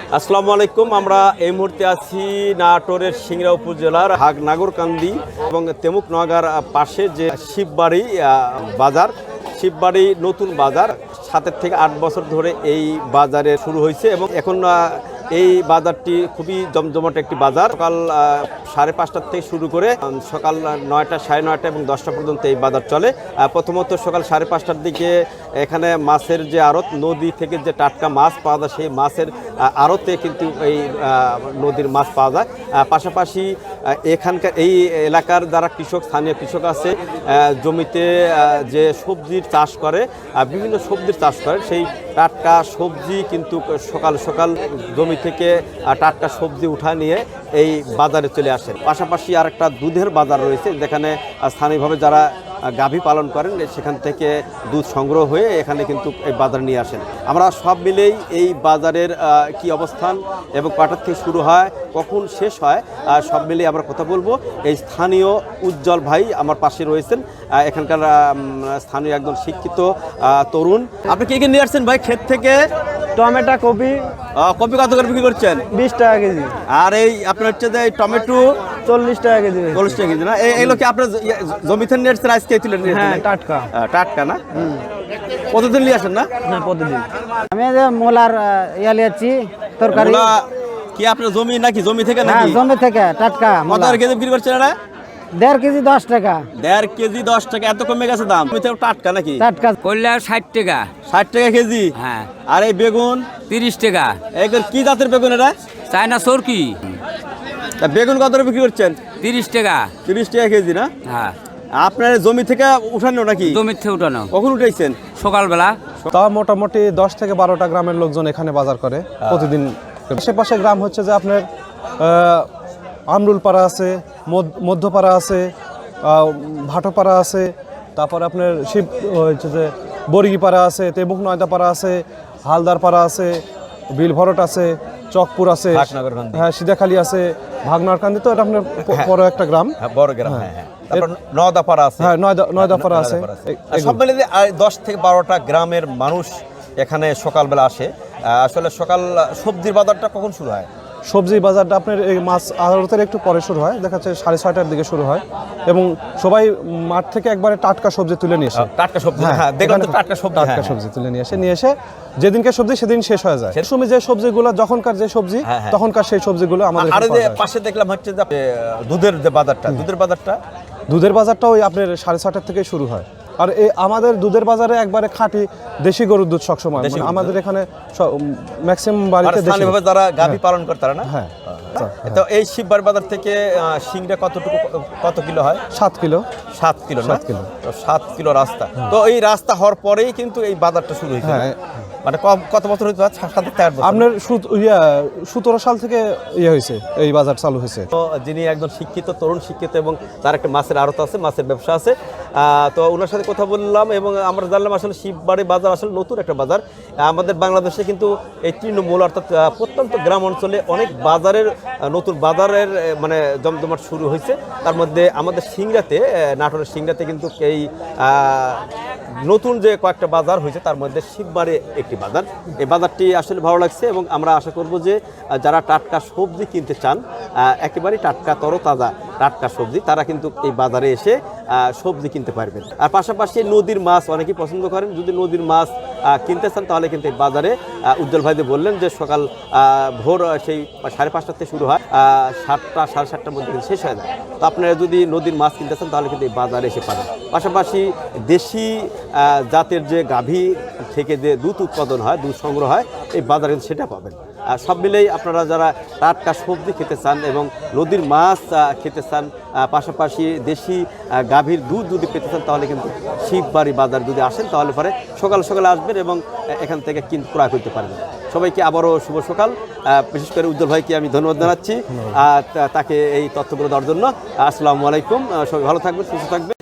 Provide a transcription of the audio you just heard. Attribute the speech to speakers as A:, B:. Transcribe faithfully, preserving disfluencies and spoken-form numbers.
A: আসসালামু আলাইকুম। আমরা এই মুহূর্তে আছি নাটোরের সিংড়া উপজেলার হাগ নাগরকান্দি এবং তেমুক নগার পাশে যে শিববাড়ি বাজার, শিববাড়ি নতুন বাজার সাতের থেকে আট বছর ধরে এই বাজারে শুরু হয়েছে এবং এখন এই বাজারটি খুবই জমজমাট একটি বাজার। সকাল সাড়ে পাঁচটার থেকে শুরু করে সকাল নয়টা সাড়ে নয়টা এবং দশটা পর্যন্ত এই বাজার চলে। প্রথমত সকাল সাড়ে পাঁচটার দিকে এখানে মাছের যে আড়ত, নদী থেকে যে টাটকা মাছ পাওয়া যায় সেই মাছের আড়তে কিন্তু এই নদীর মাছ পাওয়া যায়। পাশাপাশি এখানকার এই এলাকার যারা কৃষক, স্থানীয় কৃষক আছে, জমিতে যে সবজির চাষ করে, বিভিন্ন সবজির চাষ করে, সেই টাটকা সবজি কিন্তু সকাল সকাল জমি থেকে টাটকা সবজি উঠা নিয়ে এই বাজারে চলে আসেন। পাশাপাশি আর একটা দুধের বাজার রয়েছে, যেখানে স্থানীয়ভাবে যারা গাভী পালন করেন সেখান থেকে দুধ সংগ্রহ হয়ে এখানে কিন্তু এই বাজার নিয়ে আসেন। আমরা সব মিলেই এই বাজারের কি অবস্থান এবং কটার থেকে শুরু হয়, কখন শেষ হয়, সব মিলিয়ে আমরা কথা বলবো। এই স্থানীয় উজ্জ্বল ভাই আমার পাশে রয়েছেন, এখানকার স্থানীয় একজন শিক্ষিত তরুণ। আপনি কি কি নিয়ে আসছেন ভাই ক্ষেত থেকে?
B: Tomato, copy.
A: কপি কত করে বিক্রি করছেন?
B: বিশ টাকা কেজি।
A: আর এই আপনার হচ্ছে যে টমেটো
B: চল্লিশ টাকা কেজি।
A: চল্লিশ টাকা কেজি না? এইগুলো কি আপনার জমিতে নিয়ে আসছেন আজকে তুলে নিয়ে?
B: হ্যাঁ, টাটকা।
A: টাটকা না? প্রতিদিন নিয়ে আসেন না?
B: হ্যাঁ, প্রতিদিন। আমি যে মোলার ইয়া লিয়াচ্ছি তরকারি।
A: কি আপনার জমি নাকি? জমি থেকে
B: নাকি? হ্যাঁ, জমি থেকে টাটকা।
A: কত করে কেজি বিক্রি করছেন এটা?
B: দেড় কেজি দশ টাকা।
A: দেড় কেজি দশ টাকা, এত কমে গেছে দাম? টাটকা নাকি?
B: টাটকা
C: করলে ষাট টাকা।
A: ষাট টাকা কেজি?
C: হ্যাঁ।
A: আর এই বেগুন?
C: তিরিশ টাকা।
A: এগুলো কি জাতের বেগুন এটা?
C: চায়না সরকি।
A: বেগুন কত করে বিক্রি করছেন?
C: তিরিশ টাকা।
A: তিরিশ টাকা কেজি না?
C: হ্যাঁ।
A: আপনার জমি থেকে উঠানো নাকি?
C: জমি থেকে উঠানো।
A: কখন উঠাইছেন?
C: সকালবেলা।
D: তা মোটামুটি দশ থেকে বারোটা গ্রামের লোকজন এখানে বাজার করে প্রতিদিন। আশেপাশে গ্রাম হচ্ছে যে আপনার আমরুলপাড়া আছে, মধ্যপাড়া আছে, ভাটোপাড়া আছে, তারপর আপনার শিব হচ্ছে যে বরিগিপাড়া আছে, তেমুক নয়দাপাড়া আছে, হালদারপাড়া আছে, বিলভরট আছে, চকপুর আছে, হ্যাঁ সিধাখালী আছে, ভাগনারকান্দি। তো এটা আপনার বড় একটা গ্রাম,
A: বড় গ্রাম। হ্যাঁ, হ্যাঁ। তারপর নয়দাপাড়া আছে।
D: হ্যাঁ, নয়দাপাড়া আছে।
A: সব মিলে দশ থেকে বারোটা গ্রামের মানুষ এখানে সকালবেলা আসে। আসলে সকাল সবজির বাজারটা কখন শুরু হয়?
D: সবজি বাজারটা আপনার এই মাছ আড়তের একটু পরে শুরু হয়, দেখা যাচ্ছে সাড়ে ছয়টার দিকে শুরু হয় এবং সবাই মাঠ থেকে একবারে টাটকা সবজি তুলে নিয়ে আসে।
A: টাটকা সবজি, হ্যাঁ দেখলাম তো, টাটকা সবজি,
D: টাটকা সবজি তুলে নিয়ে আসে, নিয়ে এসে যেদিনকে সবজি সেদিন শেষ হয়ে যায়। সেই সময় যে সবজিগুলো যখনকার যে সবজি তখনকার সেই সবজিগুলো আমাদের।
A: আর যে পাশে দেখলাম হচ্ছে যে দুধের যে বাজারটা, দুধের বাজারটা
D: দুধের বাজারটা ওই আপনার সাড়ে ছটার থেকে শুরু হয়। আর এই আমাদের দুধের বাজারে একবারে খাঁটি দেশি গরুর দুধ সবসময়, আমাদের এখানে ম্যাক্সিমাম বাড়িতে
A: স্থানীয়ভাবে যারা গাভী পালন করে তারা না?
D: হ্যাঁ।
A: তো এই শিববাড়ি বাজার থেকে সিংড়া কতটুকু, কত কিলো হয়?
D: সাত কিলো।
A: সাত কিলো
D: সাত কিলো
A: তো সাত কিলো রাস্তা। তো এই রাস্তা হওয়ার পরেই কিন্তু এই বাজারটা শুরু হয়েছে।
D: হ্যাঁ।
A: মানে কত বছর হয়েছে?
D: আপনার সতেরো সাল থেকে ইয়ে হয়েছে, এই বাজার চালু হয়েছে।
A: তো যিনি একজন শিক্ষিত তরুণ, শিক্ষিত এবং তার একটা মাছের আড়ত আছে, মাছের ব্যবসা আছে, তো ওনার সাথে কথা বললাম এবং আমরা জানলাম আসলে শিববাড়ি বাজার আসলে নতুন একটা বাজার। আমাদের বাংলাদেশে কিন্তু এই তৃণমূল অর্থাৎ প্রত্যন্ত গ্রাম অঞ্চলে অনেক বাজারের, নতুন বাজারের মানে জমজমাট শুরু হয়েছে। তার মধ্যে আমাদের সিংড়াতে, নাটোরের সিংড়াতে কিন্তু এই নতুন যে কয়েকটা বাজার হয়েছে তার মধ্যে শিববাড়ি একটি বাজার। এই বাজারটি আসলে ভালো লাগছে এবং আমরা আশা করব যে যারা টাটকা সবজি কিনতে চান, একেবারেই টাটকা তরতাজা টাটকা সবজি, তারা কিন্তু এই বাজারে এসে সবজি কিনতে পারবেন। আর পাশাপাশি নদীর মাছ অনেকেই পছন্দ করেন, যদি নদীর মাছ কিনতে চান তাহলে কিন্তু এই বাজারে উজ্জ্বল ভাই বললেন যে সকাল ভোর সেই সাড়ে পাঁচটা থেকে শুরু হয়, সাতটা সাড়ে সাতটার মধ্যে কিন্তু শেষ হয়ে যায়। তো আপনারা যদি নদীর মাছ কিনতে চান তাহলে কিন্তু এই বাজারে এসে পাবেন। পাশাপাশি দেশি জাতের যে গাভী থেকে যে দুধ উৎপাদন হয়, দুধ সংগ্রহ হয়, এই বাজারে কিন্তু সেটা পাবেন। সব মিলেই আপনারা যারা টাটকা সবজি খেতে চান এবং নদীর মাছ খেতে চান, পাশাপাশি দেশি গাভীর দুধ যদি পেতে চান তাহলে কিন্তু শিববাড়ি বাজার যদি আসেন তাহলে পরে সকাল সকালে আসবেন এবং এখান থেকে কিন্তু ক্রয় করতে পারবেন। সবাইকে আবারও শুভ সকাল। বিশেষ করে উজ্জ্বল ভাইকে আমি ধন্যবাদ জানাচ্ছি তাকে এই তথ্যগুলো দেওয়ার জন্য। আসসালামু আলাইকুম। সবাই ভালো থাকবেন, সুস্থ থাকবেন।